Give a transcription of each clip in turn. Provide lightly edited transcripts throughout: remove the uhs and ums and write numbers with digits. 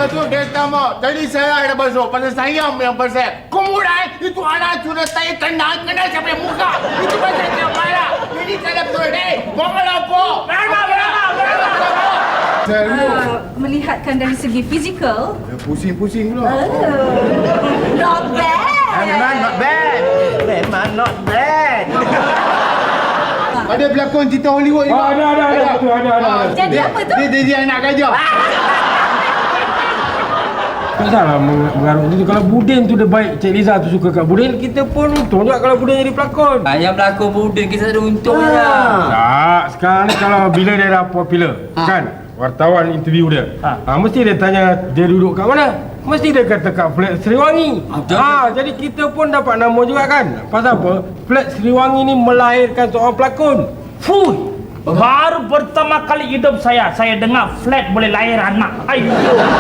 tu dia tamak. Tadi saya dah basuh pasal saya yang pasal. Kemudian itu anak sudah saya kena siapa yang muka. Itu pasal dia marah. Jadi saya betul deh. Mohon apa? Melihatkan dari segi fizikal, Pusing-pusing pula. not bad. Memang not bad. Memang not bad. Ada pelakon cerita Hollywood juga. Ada. Betul, ada. Jadi apa tu? Dia anak gajah. Tak salah mengarut itu. Kalau Budin tu dia baik, Cik Liza tu suka kat Budin, kita pun untung juga kalau Budin jadi pelakon. Yang berlakon Budin kita ada untung je. Tak, sekarang ni kalau bila dia dah popular, kan? Wartawan interview dia. Mesti dia tanya dia duduk kat mana? Mesti dia kata kat flat Seriwangi. Jadi kita pun dapat nama juga kan? Pasal apa? Flat Seriwangi ni melahirkan seorang pelakon. Fuh, baru pertama kali hidup saya dengar flat boleh lahir anak. Ayo.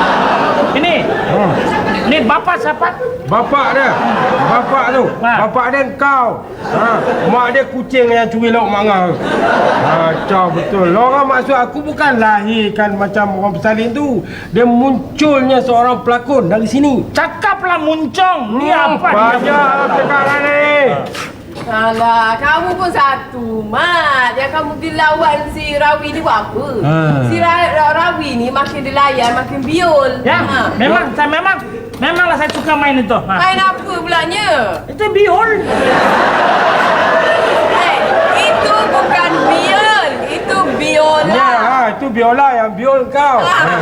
Ini bapa siapa? Bapak dia. Bapak tu. Bapak dia kau. Mak dia kucing yang curi lauk mangga. Kacau betul. Orang maksud aku bukan lahirkan macam orang bersalin tu. Dia munculnya seorang pelakon dari sini. Cakaplah muncung. Ni apa? Banyak sekarang ni. Alah, kamu pun satu, Mat. Yang kamu dilawan si Rawi ni buat apa? Si Rawi ni makin dilayan, makin biol. Ya, memanglah saya suka main itu. Main apa pulanya? Itu biol. Itu bukan biol, itu biola. Ya, itu biola yang biol kau.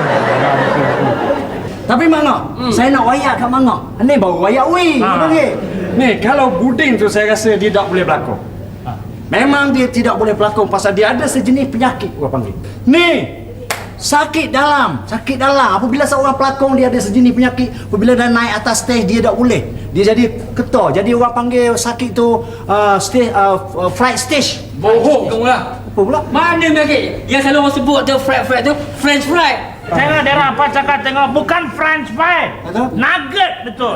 Tapi Mangga, saya nak wayak kat Mangga. Ni baru wayak weh. Ni kalau Budin tu saya rasa dia tak boleh berlakon. Memang dia tidak boleh berlakon pasal dia ada sejenis penyakit orang panggil. Ni sakit dalam. Apabila seorang pelakon dia ada sejenis penyakit, apabila dah naik atas stage dia tak boleh. Dia jadi ketor. Jadi orang panggil sakit tu fright stage. Bohong kamu lah. Apa pula? Mana penyakit? Yang selalu orang sebut tu fried tu French fried. Tengok dia apa cakap tengok bukan French fry. Nugget betul.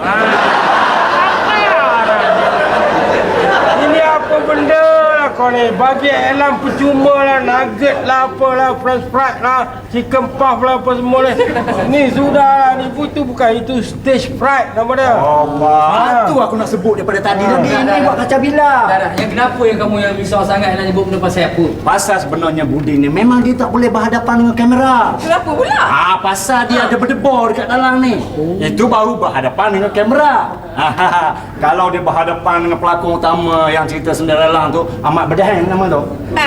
Ini apa benda lah kau ni? Bagi Alam percuma lah, nugget lah, apalah, french fried lah, chicken puff lah, apa semua ni. Ni sudah lah, ni itu bukan, itu stage fried nama dia. Itu aku nak sebut daripada tadi. Dia buat kacau bila. Dah. Yang kenapa yang kamu yang risau sangat nak sebut benda pasal apa? Pasal sebenarnya Budin ni memang dia tak boleh berhadapan dengan kamera. Kenapa pula? Pasal dia ada berdebar dekat dalam ni. Itu baru berhadapan dengan kamera. Kalau dia berhadapan dengan pelakon utama yang cerita Cinderella tu, Ahmad Bedaheng nama tu.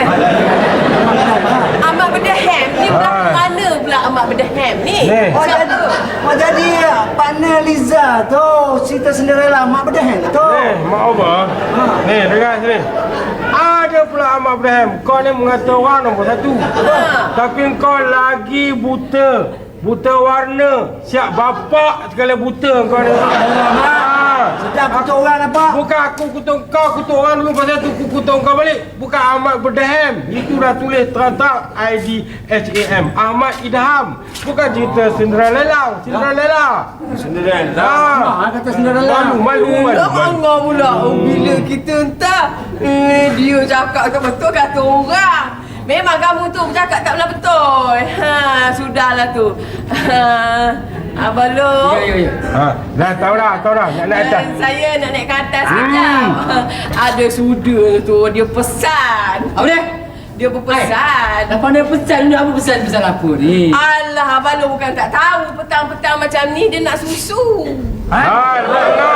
Ahmad Bedaheng ni pelakon mana pula Ahmad Bedaheng ni? Jadi partner Liza tu cerita Cinderella Ahmad Bedaheng tu. Mak apa? Ni, dengar sini. Ada pula Ahmad Ibrahim. Kau ni mengata orang nombor satu. Tapi kau lagi buta. Buta warna. Siap bapak sekali buta kau ni. Sedap kutuk orang apa? Bukan aku kutuk kau, kutuk orang dulu. Pasal tu aku kutuk kau balik. Bukan Ahmad Bedaham. Itu dah tulis terang-terang IDHAM. Ahmad Idham. Bukan cerita Cinderella. Cinderella. Kata Cinderella. Malu. Tak bangga pula. Bila kita entah dia cakap tak betul kata orang. Memang kamu tu bercakap tak betul. Sudahlah tu. Abang Long. Ya. Dah tahu dah. Nak naik atas. Saya nak naik ke atas sekejap. Ada suda tu, dia pesan. Apa dia? Dia berpesan. Apa dia pesan ni? Apa pesan apa ni? Alah, Abang Long bukan tak tahu. Petang-petang macam ni dia nak susu. Mangga.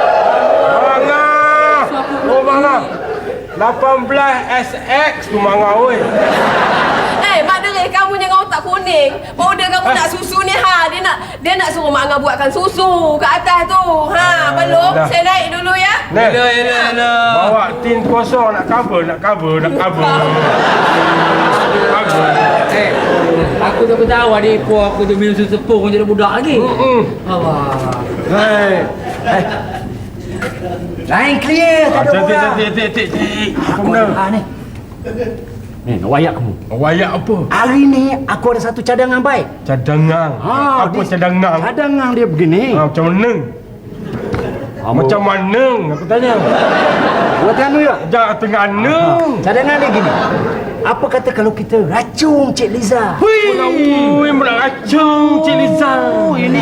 Oh, Mangga. 18 SX tu Mangga, oi. Mak Deris, kamu jangan otak kuning. Powder kamu nak susu ni, dia nak suruh Mak Angah buatkan susu kat atas tu. Belum? Saya naik dulu ya. Bawa tin kosong nak cover. Aku tak tahu adik aku tu minum susu sepung jadi budak lagi. Lain clear. Tak ada orang. Tik. Apa benda? Ni, nak wayak kamu. Wayak apa? Hari ni aku ada satu cadangan baik. Cadangan? Apa cadangan? Cadangan dia begini. Macam mana? Macam mana? Aku tanya. Buat anu ya? Jangan tengah neng. Cadangan dia gini. Apa kata kalau kita racung Cik Liza? Hui, nak racun Cik Liza. Ini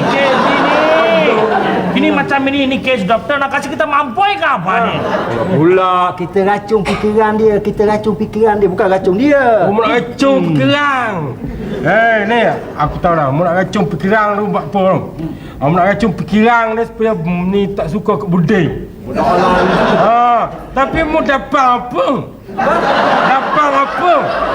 macam ini kes doktor nak kasih kita mampoi ke apa ni? Pula kita racun fikiran dia, bukan racun dia. Mu nak racun pikiran. Ni aku tahu dah. Mu nak racun pikiran tu buat apa tu? Mu nak racun pikiran dia supaya ni tak suka ke buding. Tapi mu dapat apa? Dapat apa?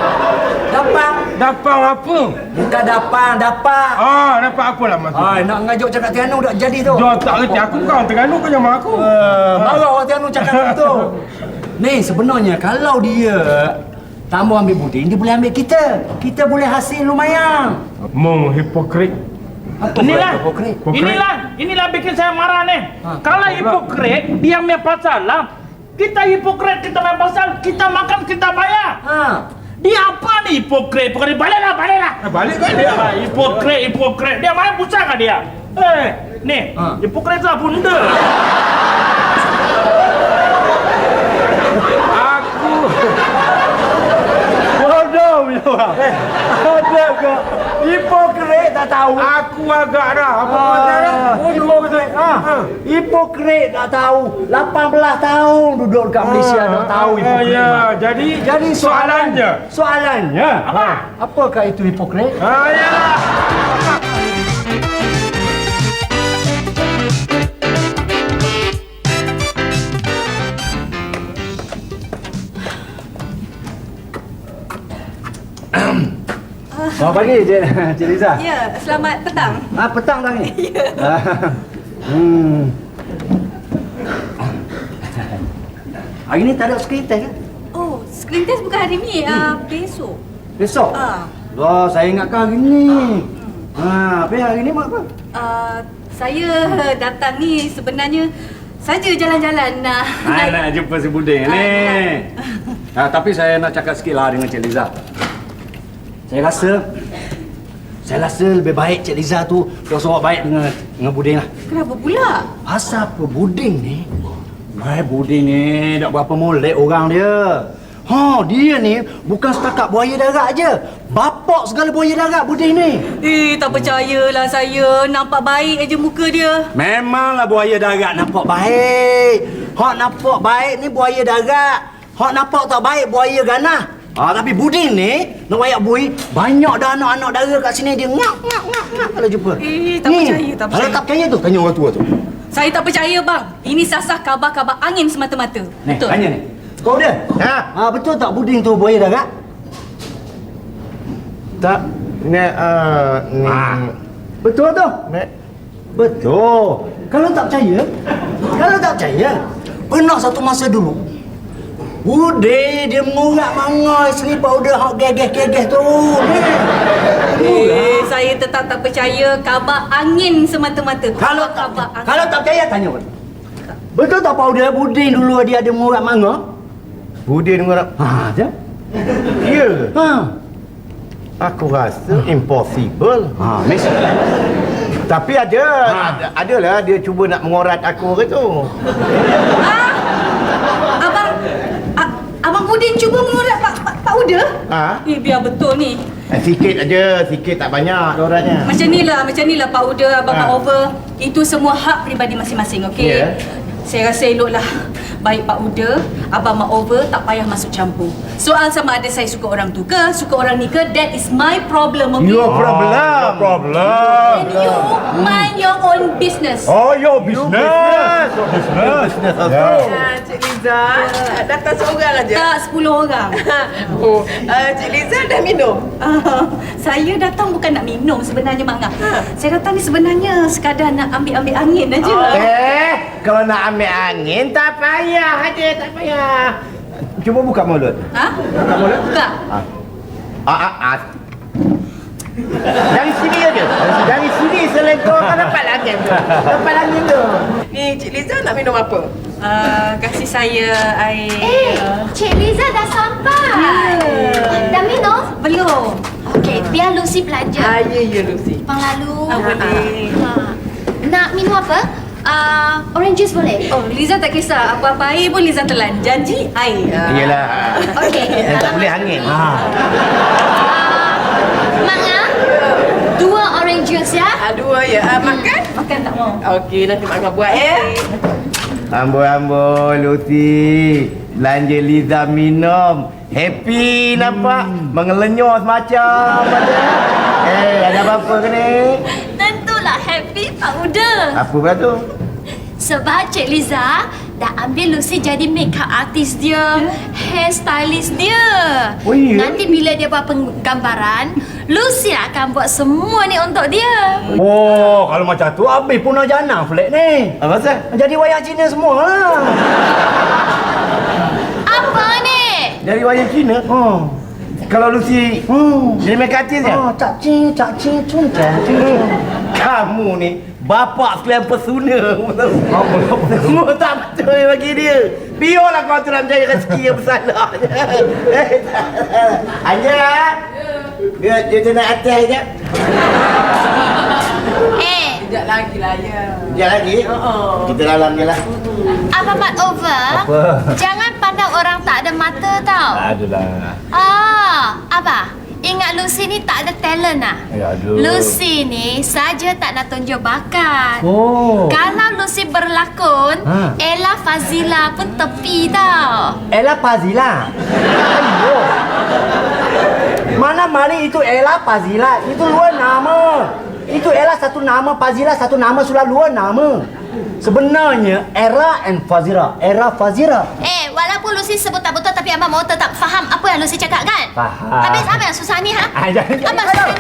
Bukan dapat. Dapat apa lah maksud? Nak ngajuk cakap Terengganu tak jadi tu. Dia tak kerti aku bukan Terengganu kau yang aku. Marah orang Terengganu cakap tu. Ni sebenarnya kalau dia tambah ambil buding, dia boleh ambil kita. Kita boleh hasil lumayan. Mung hipokrit. Inilah bikin saya marah nih. Kalau hipokrit, dia punya pasal lah. Kita hipokrit, kita main pasal, kita makan, kita bayar. Dia apa nih hipokrit? Baliklah. Balik kan dia. Hipokrit. Dia main pusaka dia. Nih, hipokrit lah bunda. Aku Bodoh punya orang. Ada ke? Hipokrit tak tahu. Aku agak dah. Apa kata dah? Hipokrit. Hipokrit tak tahu. 18 tahun duduk dekat Malaysia tak tahu hipokrit. Ya, jadi Soalannya. Apakah itu hipokrit? Yalah. Selamat pagi, Cik Liza. Ya, selamat petang. Petang dah ni? Ya. Hari ni tak ada screen test kan? Oh, screen test bukan hari ni, besok. Besok? Wah, saya ingatkan hari ni. Tapi hari ni buat apa? Saya datang ni sebenarnya saja jalan-jalan nak jumpa si Buding ni. Tapi saya nak cakap sikit lah dengan Cik Liza. Saya rasa lebih baik Cik Liza tu suruh baik dengan Buding lah. Kenapa pula? Pasal apa Buding ni? Buding ni tak berapa molek orang dia. Dia ni bukan setakat buaya darat je. Bapak segala buaya darat Buding ni. Tak percayalah saya. Nampak baik aja muka dia. Memanglah buaya darat nampak baik. Hak nampak baik ni buaya darat. Hak nampak tak baik buaya ganah. Tapi Buding ni nak wayak bui, banyak dah anak-anak dara kat sini dia ngak kalau jumpa. Tak percaya. Kalau tak percaya tu tanya orang tua tu. Saya tak percaya bang. Ini sasah kabar-kabar angin semata-mata. Ni, Betul. tanya ni. Kau dia? Betul tak Buding tu buaya darat? Tak. Ni Betul tu? Betul. Kalau tak percaya, pernah satu masa dulu Buding dia mengurat mangai selipar udah hak gegeh-gegeh tu. Saya tetap tak percaya kabar angin semata-mata. Kalau tak percaya tanya orang. Betul tak powder Buding dulu dia ada mengurat manga? Buding dengar. Je. Ya. Aku rasa impossible. Mesti. Tapi adalah dia cuba nak mengorat aku ke tu. Abang Buding cuba mengurat Pak Uda? Biar betul ni. Sikit aja, sikit tak banyak oratnya. Macam ni lah Pak Uda, Abang mak over. Itu semua hak peribadi masing-masing, okey? Ya. Saya rasa eloklah. Baik Pak Uda, Abang mak over tak payah masuk campur. Soal sama ada saya suka orang tu ke, suka orang ni ke, that is my problem, okey? Your problem. And you mind your own business. Your business. Business also. Cik Liza, datang seorang aja. Tak, 10 orang. Cik Liza dah minum? Saya datang bukan nak minum sebenarnya, Mak Ngah. Saya datang ni sebenarnya sekadar nak ambil-ambil angin aja. Kalau nak ambil angin tak payah aja, tak payah. Cuba buka mulut. Buka mulut. Buka. Dari sini aja. Dari sini selengkaukan dapat angin tu. Dapat angin tu. Ni Cik Liza nak minum apa? Kasih saya air. Cik Liza dah sampai. Dah minum? Belum. Okey, biar Lucy belanja. Ya Lucy. Bang lalu. Boleh. Nak minum apa? Orange juice boleh? Oh, Liza tak kisah. Apa-apa air pun Liza telan. Janji air. Iyalah. Okey. Yang tak boleh angin. Mak Ngah, 2 orange Cheers ya. Aduh ya, makan? Makan tak mau. Okey, nanti mak Angah buat Amboi, Lucy. Belanja Liza minum. Happy nampak. Mengelenyos macam ada. Ada apa-apa ke ni? Tentulah happy Pak Uda. Apa pula tu? Sebab Cik Liza dah ambil Lucy jadi makeup artist dia, hair stylist dia. Oh, ya? Nanti bila dia buat penggambaran, Lucy akan buat semua ni untuk dia. Oh, kalau macam tu habis punah jana flat ni. Apa pasal? Jadi wayang Cina semua lah. Apa ni? Dari wayang Cina? Oh. Kalau Lucy jadi makeup artist ya? Oh, cak cing, cung. Kamu ni bapak sekalian pesuna. Semua tak betul bagi dia. Biarlah kau tu nak mencari rezeki yang bersalah. Anja. Dia nak atas je. Sekejap lagi lah ya. Sekejap lagi? Kita dalam je lah. Abang Mat Over. Apa? Jangan pandang orang tak ada mata tau. Adalah. Abah. Ingat Lucy ni tak ada talent lah. Ya, aduh. Lucy ni saja tak nak tunjuk bakat. Oh. Kalau Lucy berlakon, Ella Fazila pun tepi tau. Ella Fazila. Ayo. Mana mari itu Ella Fazila? Itu luar nama. Itu Ella satu nama, Fazila satu nama, sudah luar nama. Sebenarnya Era and Fazira. Era Fazira. Walaupun Lucy sebut tak betul, tapi abang mau tetap faham apa yang Lucy cakap kan? Faham. Habis apa yang susah ni ha? Abang susah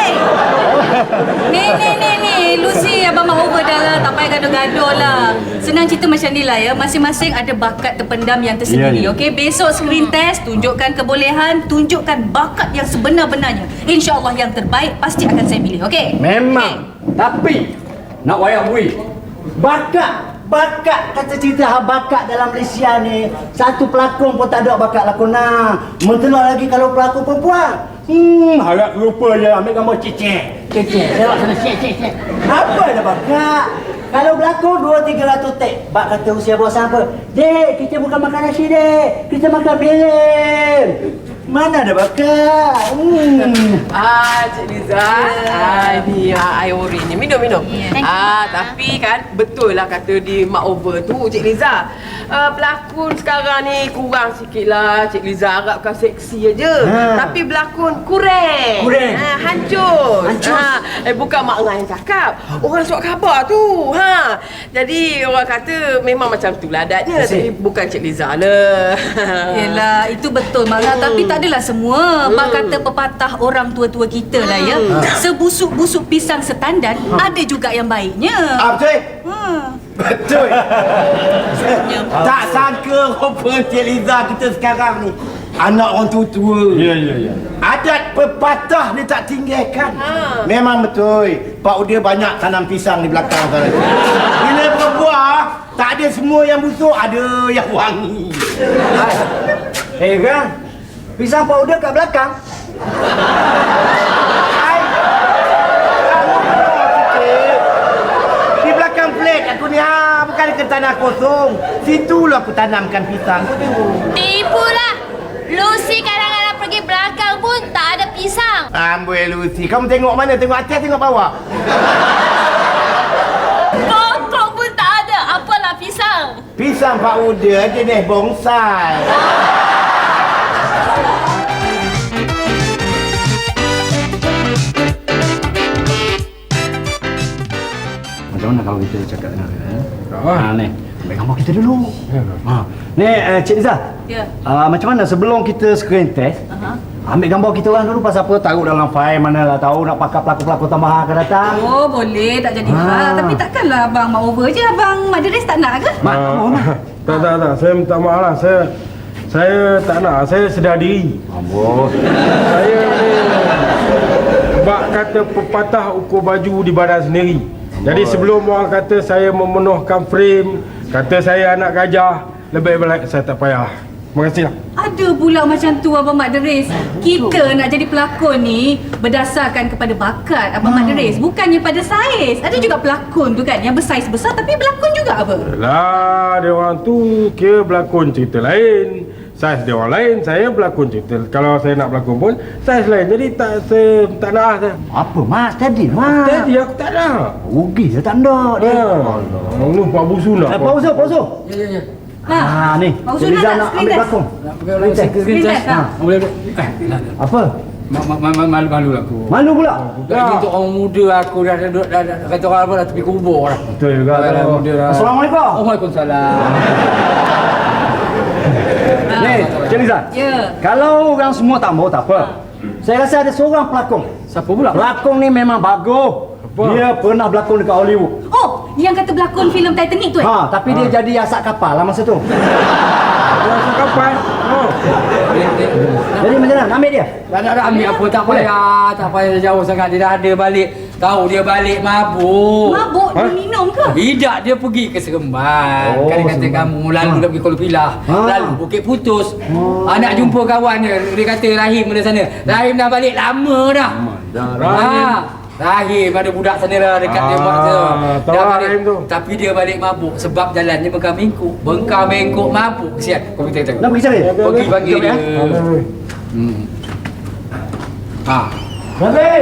ni. Ni Lucy abang mau over dah lah. Tak payah gaduh-gaduh lah. Senang cerita macam ni lah ya. Masing-masing ada bakat terpendam yang tersendiri. Ya. Okey, besok screen test, tunjukkan kebolehan, tunjukkan bakat yang sebenar-benarnya. InsyaAllah yang terbaik pasti akan saya pilih. Okey? Memang. Tapi nak wayang bui. Bakat kata cerita bakat dalam Malaysia ni. Satu pelakon pun tak ada bakat lakonan. Mentelur lagi kalau pelakon perempuan. Harap lupa je ambil gambar cecek. Lewat sana cecek. Apa ada bakat? Kalau berlakon 200-300 take. Bak kata usia bos apa? Dek, kita bukan makan nasi dek. Kita makan film. Mana ada bakat? Cik Liza. Ni air ori ni. Minum. Tapi kan betul lah kata di Mak Over tu Cik Liza. Pelakon sekarang ni kurang sikit lah. Cik Liza harapkan seksi aja. Tapi berlakon kurang. Hancur. Bukan Mak Ngah yang cakap. Orang surat khabar tu. Jadi orang kata memang macam tu lah adatnya. Tapi bukan Cik Liza lah. Yelah, itu betul Mak Ngah. Tapi tak adalah semua. Mak kata pepatah orang tua-tua kita lah ya. Sebusuk-busuk pisang setandan, ada juga yang baiknya. Betul? Betul. Tak sangka rupa Cik Liza kita sekarang ni anak orang tua-tua. Ya. Adat pepatah ni tak tinggalkan. Memang betul. Pak Uda banyak tanam pisang di belakang sana. Bila berbuah, tak ada semua yang busuk, ada yang wangi. Kan? Pisang Pak Uda kat belakang. Di belakang flat aku ni bukan ke tanah kosong. Situlah aku tanamkan pisang. Tipulah. Lucy kadang-kadang pergi belakang pun tak ada pisang. Amboi Lucy, kamu tengok mana? Tengok atas, tengok bawah. Pokok pun tak ada. Apalah pisang? Pisang Pak Uda jenis bonsai. Macam mana kalau kita cakap dengan dia? Ah. Ni, ambil gambar kita dulu. Ni, Cik Liza. Ya. Macam mana sebelum kita screen test, ambil gambar kita orang dulu pasal apa taruh dalam file mana lah tahu nak pakai pelakon-pelakon tambahan akan datang. Oh, boleh. Tak jadi hal. Tapi takkanlah abang Mak Over je. Abang Mak Deres tak nak ke? Tak. Saya minta maaf lah. Saya tak nak. Saya sedar diri. Amboi. Saya ni bak kata pepatah ukur baju di badan sendiri. Jadi sebelum orang kata saya memenuhkan frame, kata saya anak gajah, lebih baik saya tak payah. Terima kasih lah. Ada pula macam tu Abang Mak Deres. Kita nak jadi pelakon ni berdasarkan kepada bakat Abang Mak Deres, bukannya pada saiz. Ada juga pelakon tu kan yang bersaiz besar tapi berlakon juga apa? Lah, dia orang tu kira berlakon cerita lain. Saiz dia orang lain, saya berlakon cerita. Kalau saya nak berlakon pun saiz lain. Jadi saya tak nak saya. Apa mas? Tadi mas. Tadi aku tak nak. Rugi saya tak nak dia. Lu Pak Busu nak. Pausa. Ya. Ni. Pak Usul Liza nak nak screen ambil test? belakang. Screen test, ha? Boleh. Apa? Malu lah aku. Malu pula? Lagi untuk orang muda aku dah kata orang apa dah tepi kubur dah. Betul juga. Muda dah. Assalamualaikum. Waalaikumsalam. Ni, Cik Liza. Ya. Kalau orang semua tak mau tak apa. Saya rasa ada seorang pelakon. Siapa pula? Pelakon ni memang bagus. Dia pernah berlakon dekat Hollywood. Oh, yang kata berlakon filem Titanic tu Tapi dia jadi asak kapal lah masa tu. Rasa kapal. Jadi macam mana? Ambil dia? Tak ambil apa, tak payah jauh sangat. Dia dah ada balik. Tahu dia balik mabuk. Mabuk dia minum ke? Tidak, dia pergi ke Seremban. Kan dia kata kamu lalu dah pergi Kuala Pilah. Lalu Bukit Putus. Nak jumpa kawan dia. Dia kata Rahim ada sana. Rahim dah balik lama dah. Rahim ada budak sana lah dekat dia buat tu. Tahu Rahim tu. Tapi dia balik mabuk sebab jalannya bengkak mengkuk mabuk. Kesian. Kau kita tengok. Nak pergi cari? Pergi panggil dia. Rabi!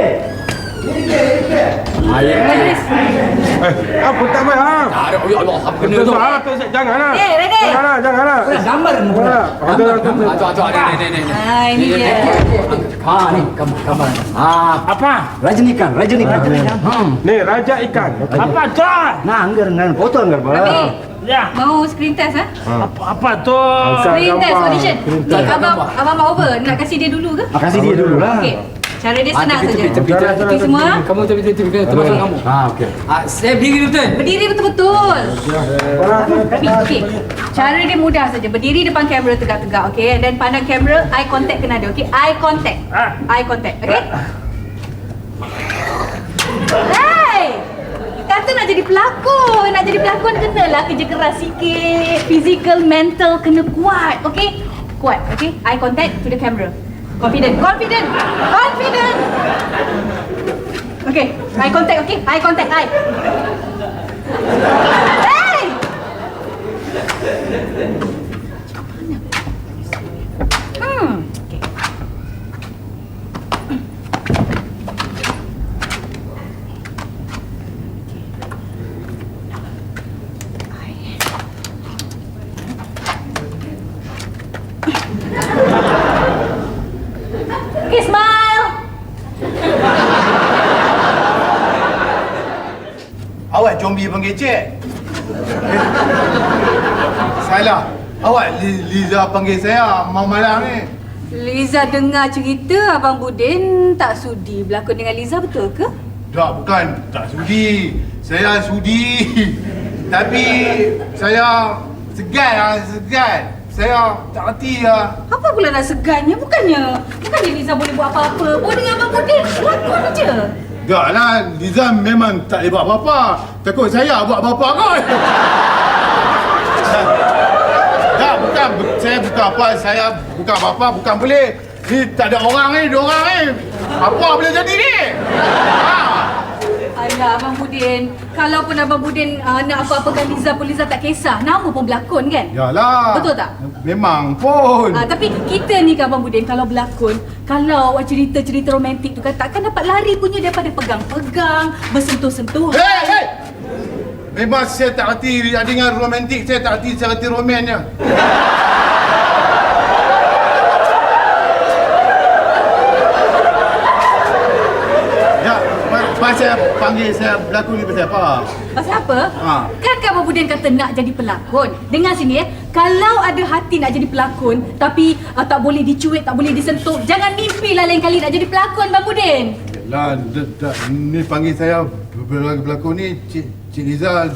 Apa tak baik ha? Tak ada. Ya Allah, apa kena tu? Janganlah. Ready? Janganlah. Gambar kamu pula. Ni. Ini dia. Ni gambar. Apa? Rajinikan. Ni raja ikan. Apa tu? Nah, anggar dengan foto anggar Rabi, pula. Ya. mau screen test Apa tu? Screen test gambar. audition. Abang mau over, nak kasih dia dulu ke? Kasih dia dulu lah. Okey. Cara dia senang saja. Tepi semua. Kamu tepi termasuk kamu. Okey. Saya berdiri betul. Berdiri betul-betul. Okey. Cara dia mudah saja. Berdiri depan kamera tegak-tegak, okey? Dan pandang kamera, eye contact kena ada, okey? Eye contact. Eye contact, okey? Hey! Kata nak jadi pelakon. Nak jadi pelakon kenalah kerja keras sikit. Physical, mental kena kuat, okey? Kuat, okey? Eye contact to the camera. Confident. Okay, eye contact, okay? Eye contact, eye. Hey! Okay. Okay, smile. Awak zombie panggil cik. Salah. Awak Liza panggil saya malam ni. Liza dengar cerita Abang Budin tak sudi berlakon dengan Liza, betul ke? Tak, bukan. Tak sudi. Saya sudi. Tapi saya segan. Saya tak reti lah. Apa pula nak segannya? Bukannya Liza boleh buat apa-apa. Buat dengan Abang Budin, lakon je. Tak lah, Liza memang tak boleh buat apa-apa. Takut saya buat apa-apa kot. Tak, bukan. Saya bukan apa. Saya bukan apa-apa. Bukan boleh. Ni tak ada orang ni. Apa boleh jadi ni? Alah, Abang Budin. Kalaupun Abang Budin nak apa-apakan Liza pun, Liza tak kisah. Nama pun berlakon kan? Yalah. Betul tak? Memang pun. Tapi kita ni kan Abang Budin, kalau berlakon, kalau awak cerita-cerita romantik tu kan, takkan dapat lari punya daripada pegang-pegang, bersentuh-sentuh. Hey! Memang saya tak reti dengan romantik. Saya tak reti romannya. Ya, pasal panggil saya berlakon ni pasal apa? Pasal apa? Kan Abang Budin kata nak jadi pelakon. Dengar sini kalau ada hati nak jadi pelakon, tapi tak boleh dicuit, tak boleh disentuh, jangan mimpilah lain kali nak jadi pelakon, Bang Budin. Yalah, ni panggil saya berlakon ni Cik Liza.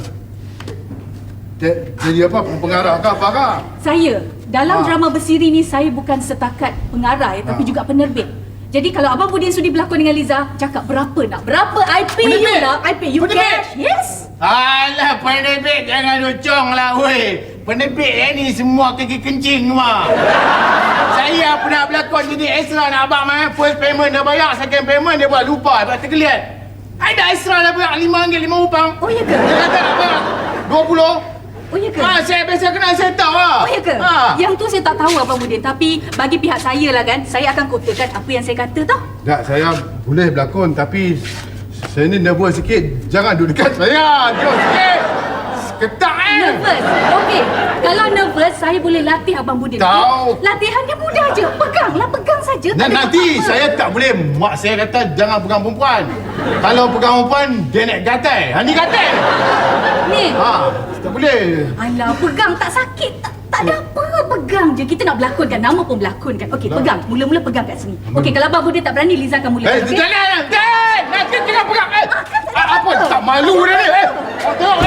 Jadi apa? Pengarah ke apa ke? Saya, dalam drama bersiri ni, saya bukan setakat pengarah tapi juga penerbit. Jadi kalau Abang Budin sudi berlakon dengan Liza, cakap berapa nak? Berapa? I pay you lah. I pay you cash. Yes. Alah, penerbit jangan lucong lah weh. Penerbit ni semua kaki kencing semua. Saya pernah berlakon jadi extra nak abang first payment dah bayar, second payment dia buat lupa, buat tergeliat. Ada extra dah bayar RM5, RM5. Oh, ya ke? Dia kata nak bayar 20. Oh ya ke? Saya biasa kenal, saya tahu lah. Oh ya ke? Yang tu saya tak tahu Abang Budin. Tapi bagi pihak saya lah kan, saya akan kotakan apa yang saya kata tau. Tak, saya boleh berlakon tapi saya ni nervous sikit. Jangan duduk dekat saya. Jauh sikit. Ketak Nervous? Okey. Kalau nervous, saya boleh latih Abang Budin. Tahu. Okay? Latihan dia mudah je. Peganglah, pegang saja. Tak ada Nanti apa-apa. saya tak boleh. Mak saya kata jangan pegang perempuan. Kalau pegang perempuan, dia nak gatai. Ni gatai. Ni. Tak boleh. Alah, pegang tak sakit. Tak ada apa. Pegang je. Kita nak berlakon kan. Nama pun berlakon kan. Okey, pegang. Mula-mula pegang kat sini. Okey, kalau Abang Budin tak berani, Liza akan mulakan. Okey? Jangan. Nanti jangan pegang. Apa? Tak malu dah ni. Tengok.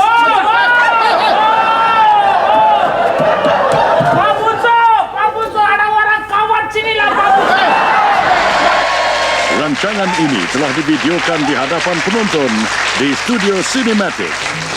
Pak Buso, ada orang kawan sini lah Pak Buso. Rancangan ini telah divideokan di hadapan penonton di Studio Cinematic.